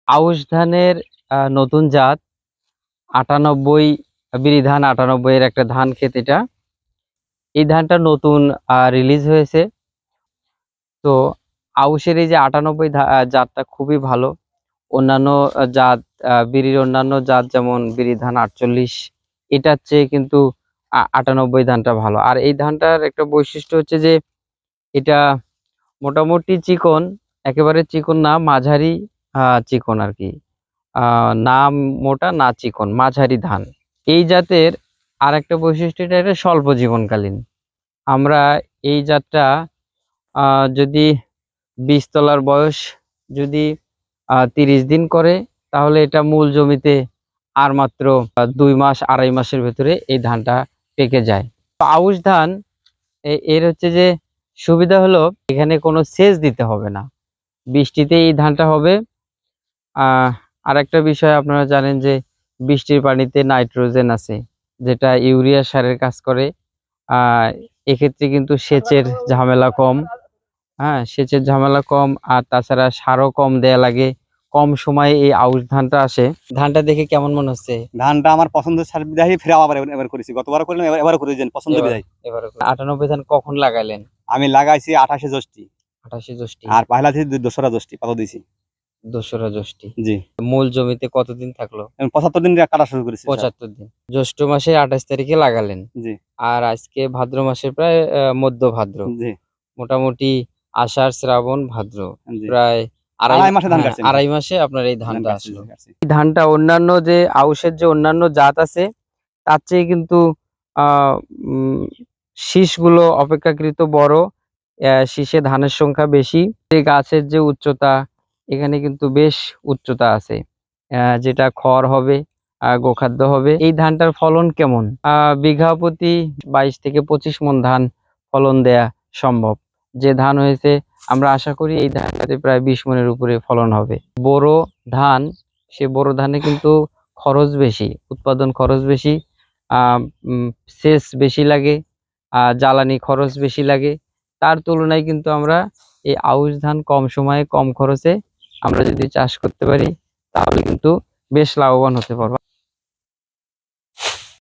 আউশ ধানের নতুন জাত 98 বিরিধান 98 এর একটা ধান ক্ষেত এটা। এই ধানটা নতুন রিলিজ হয়েছে। তো আউশের এই যে 98 জাতটা খুবই ভালো। অন্যান্য জাত বিরির অন্যান্য জাত যেমন বিরিধান 48, এটার চেয়ে কিন্তু 98 ধানটা ভালো। আর এই ধানটার একটা বৈশিষ্ট্য হচ্ছে যে এটা মোটামুটি চিকন, একেবারে চিকন না, মাঝারি চিকন আর কি। না মোটা না চিকন, মাঝারি ধান। এই জাতের আর একটা বৈশিষ্ট্য, এটা স্বল্প জীবনকালীন। আমরা এই জাতটা যদি বীজ তলার বয়স যদি 30 দিন করে, তাহলে এটা মূল জমিতে আর মাত্র 2 মাস 2.5 মাসের ভেতরে এই ধানটা পেকে যায়। তো আউশ ধান এর হচ্ছে যে সুবিধা হলো এখানে কোনো সেচ দিতে হবে না, বৃষ্টিতে এই ধানটা হবে। আর একটা বিষয় আপনারা জানেন যে বৃষ্টির পানিতে নাইট্রোজেন আছে, যেটা ইউরিয়া সারের কাজ করে। এক্ষেত্রে কিন্তু সেচের ঝামেলা কম। সেচের ঝামেলা কম, আর তাছাড়া সারও কম দেয়া লাগে। কম সময়ে এই আউশ ধানটা আসে। ধানটা দেখে কেমন মনে হচ্ছে? ধানটা আমার পছন্দের সার বিধায় ফের আবার এবার করেছি, গতবার করলাম, এবারও করে দেন পছন্দ বিধায়। এবার 98 ধান কখন লাগাইলেন? আমি লাগাইছি 28 জ্যৈষ্ঠী। 28 জ্যৈষ্ঠী। আর পয়লা থেকে 2রা জ্যৈষ্ঠী পাতা দিয়েছি। 2রা জ্যৈষ্ঠী। জি। মূল জমিতে কতদিন থাকলো? 75 দিন কাটা শুরু করেছি। 75 দিন। জ্যৈষ্ঠ মাসে 28 তারিখে লাগালেন। জি। আর আজকে ভাদ্র মাসের প্রায় মধ্য ভাদ্র। জি। মোটামুটি আষাঢ় শ্রাবণ ভাদ্র, জি। প্রায় 2.5 মাসে ধান কাটছেন। 2.5 মাসে আপনার এই ধানটা আসলো। এই ধানটা অন্যান্য যে আউশের যে অন্যান্য জাত আছে তার চেয়ে কিন্তু শীষগুলো অপেক্ষাকৃত বড়। শীষে ধানের সংখ্যা বেশি। যে গাছের যে উচ্চতা, এখানে কিন্তু বেশ উচ্চতা আছে, যেটা খড় হবে, গোখাদ্য হবে। এই ধানটার ফলন কেমন? বিঘা প্রতি 22 থেকে 25 মণ ধান ফলন দেয়া সম্ভব। যে ধান হয়েছে আমরা আশা করি এই ধানটাতে প্রায় 20 মণের উপরে ফলন হবে। বোরো ধান, সে বোরো ধানে কিন্তু খরচ বেশি, উৎপাদন খরচ বেশি, সেচ বেশি লাগে, জ্বালানি খরচ বেশি লাগে। তার তুলনায় কিন্তু আমরা এই আউশ ধান কম সময়ে কম খরচে আমরা যদি চাষ করতে পারি, তাহলে কিন্তু বেশ লাভবান হতে পারবো।